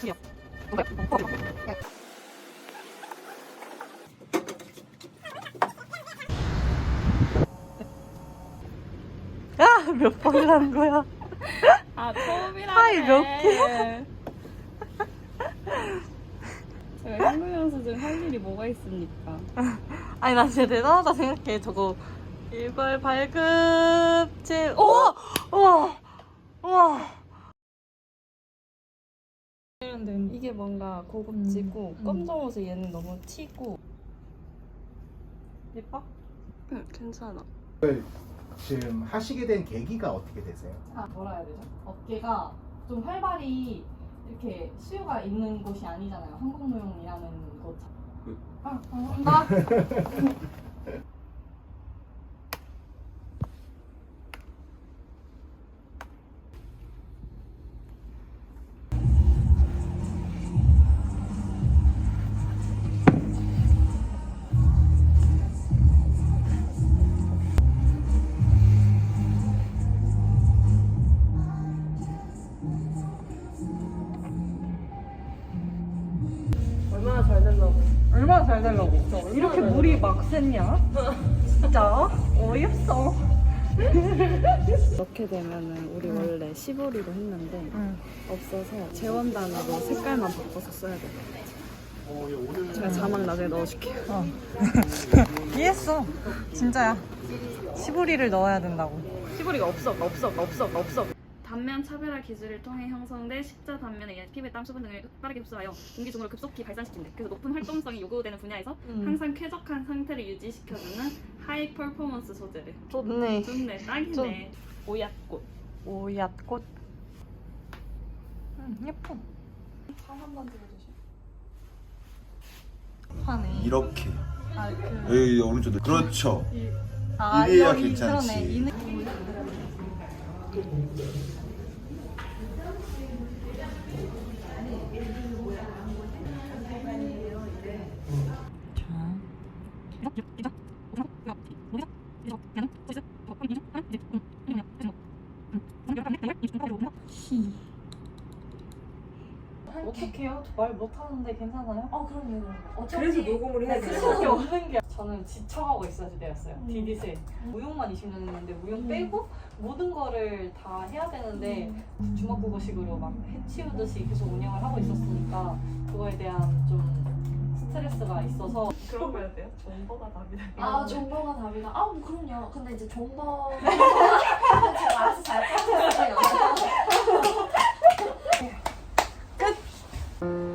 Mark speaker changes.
Speaker 1: 야, 몇 번을 한 거야?
Speaker 2: 아, 처음이라네.
Speaker 1: 파이 몇 개?
Speaker 2: 제가 한국 연수 할 일이 뭐가 있습니까?
Speaker 1: 아니, 나 진짜 대단하다 생각해. 저거 일괄 발급제. 우와! 우와! 우와!
Speaker 2: 이게 뭔가 고급지고 검정옷에 얘는 너무 튀고.
Speaker 1: 예뻐?
Speaker 2: 응, 괜찮아.
Speaker 3: 지금 하시게 된 계기가 어떻게 되세요?
Speaker 1: 아, 뭐라 해야 되죠? 업계가 좀 활발히 이렇게 수요가 있는 곳이 아니잖아요. 한국무용이라는 곳. 아, 감사합니다.
Speaker 4: 얼마나 잘 되려고.
Speaker 1: 얼마나 잘 되려고. 이렇게 물이 막 샜냐? 진짜 어이없어.
Speaker 2: 이렇게 되면은 우리 원래 시보리로 했는데 없어서 재원단으로 색깔만 바꿔서 써야 될 것 같아요. 제가 자막 나중에 넣어줄게요.
Speaker 1: 이해했어. 진짜야. 시보리를 넣어야 된다고.
Speaker 2: 시보리가 없어. 단면 차별화 기술을 통해 형성된 십자 단면에 의해 피부의 땀, 수분 등을 빠르게 흡수하여 공기 중으로 급속히 발산시킨대. 그래서 높은 활동성이 요구되는 분야에서 항상 쾌적한 상태를 유지시켜주는 하이 퍼포먼스 소재래.
Speaker 1: 좋네.
Speaker 2: 좋네, 딱이네. 오얏꽃.
Speaker 1: 오얏꽃. 예뻐.
Speaker 2: 한번 들어주세요.
Speaker 1: 하네.
Speaker 5: 이렇게
Speaker 1: 아,
Speaker 5: 여기 오른쪽도 그렇죠.
Speaker 1: 아,
Speaker 5: 이래야
Speaker 1: 이-
Speaker 5: 괜찮지.
Speaker 1: 그러네. 이 어떡해요? 저 말 못하는데 괜찮아요?
Speaker 4: 그럼요.
Speaker 1: 그래서
Speaker 4: 녹음을 해야
Speaker 1: 수밖에 없는 게 저는 지쳐가고 있어야 되었어요. 디디슬 무용만 20년 했는데 무용 빼고 모든 거를 다 해야 되는데 주먹구구식으로 막 해치우듯이 계속 운영을 하고 있었으니까 그거에 대한 좀 스트레스가 있어서
Speaker 4: 그런 거 해야 돼요? 정보가 답이다.
Speaker 6: 아, 정보가 답이다. 아, 뭐 그럼요. 근데 이제 정보 제가 알아서 잘 빠져요.